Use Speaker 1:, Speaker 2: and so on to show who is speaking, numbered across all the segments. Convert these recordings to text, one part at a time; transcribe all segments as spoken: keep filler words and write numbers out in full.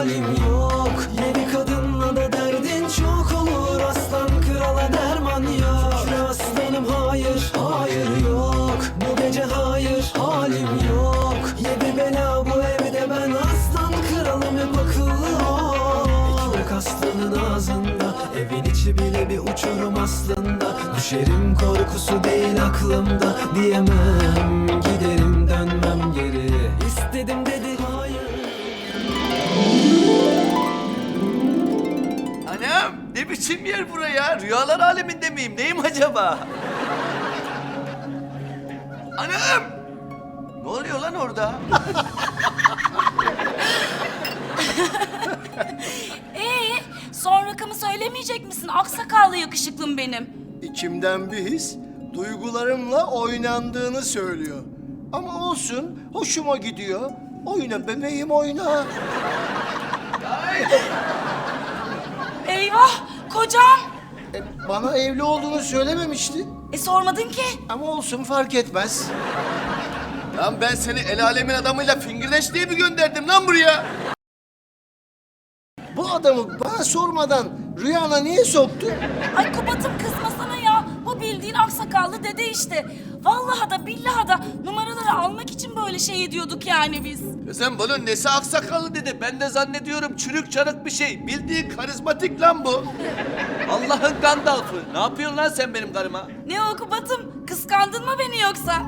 Speaker 1: halim yok. Yedi kadınla da derdin çok olur, aslan krala derman yok. Şükür aslanım hayır, hayır yok. Bu gece hayır, halim yok. Yedi bela bu evde, ben aslan kralım, hep akıllı ol. Ekmek aslanın ağzında, evin içi bile bir uçurum aslında. Düşerim korkusu değil aklımda, diyemem giderim dönmem geri. İstedim dedi hayır.
Speaker 2: Anam ne biçim yer buraya? Rüyalar aleminde miyim? Neyim acaba? Anam! Ne oluyor lan orada?
Speaker 3: Ee, son rakamı söylemeyecek misin? Aksakallı yakışıklım benim.
Speaker 4: İçimden bir his duygularımla oynandığını söylüyor. Ama olsun, hoşuma gidiyor. Oyna bebeğim, oyna.
Speaker 3: Eyvah, kocam.
Speaker 4: E, bana evli olduğunu söylememişti.
Speaker 3: E sormadın ki.
Speaker 4: Ama olsun, fark etmez.
Speaker 2: Lan ben seni el alemin adamıyla fingirdeş diye mi gönderdim lan buraya?
Speaker 4: Bu adamı bana sormadan rüyana niye soktun?
Speaker 3: Ay Kubat'ım kızmasana ya. Bu bildiğin aksakallı dede işte. Vallahi da billahi da numaraları almak için böyle şey ediyorduk yani biz.
Speaker 2: Kızım bunun nesi aksakallı dedi. Ben de zannediyorum çürük çarık bir şey. Bildiğin karizmatik lan bu. Allah'ın Gandalf'ı. Ne yapıyorsun lan sen benim karıma?
Speaker 3: Ne o Kubat'ım? Kıskandın mı beni yoksa?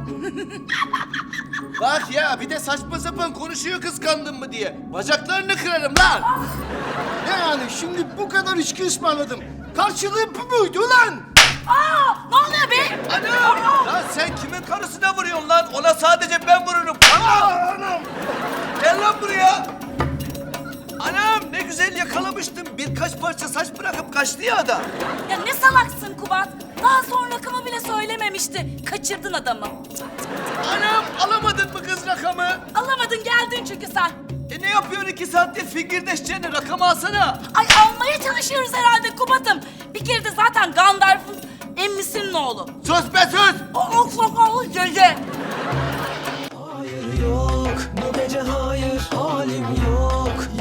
Speaker 2: Bak ya bir de saçma sapan konuşuyor kıskandın mı diye. Bacaklarını kırarım lan.
Speaker 4: Ne yani, şimdi bu kadar içki ısmarladım. Karşılığı bu muydu lan?
Speaker 3: Aa, ne oluyor be?
Speaker 2: Anam! Lan sen kimin karısına vuruyorsun lan? Ona sadece ben vururum. Anam! Anam! Gel lan buraya. Anam ne güzel yakalamıştım. Birkaç parça saç bırakıp kaçtı ya adam.
Speaker 3: Ya ne salaksın Kubat? Daha son rakamı bile söylememişti. Kaçırdın adamı.
Speaker 2: Anam alamadın mı kız rakamı?
Speaker 3: Alamadın, geldin çünkü sen.
Speaker 2: E ne yapıyorsun iki saattir fingirdeşçene rakamı alsana.
Speaker 3: Ay almaya çalışıyoruz herhalde Kubat'ım. Bir kere de zaten Gandalf'ın emmisinin oğlu.
Speaker 2: Sus be sus!
Speaker 3: O aksakallı dede.
Speaker 1: Hayır yok, bu gece hayır, halim yok.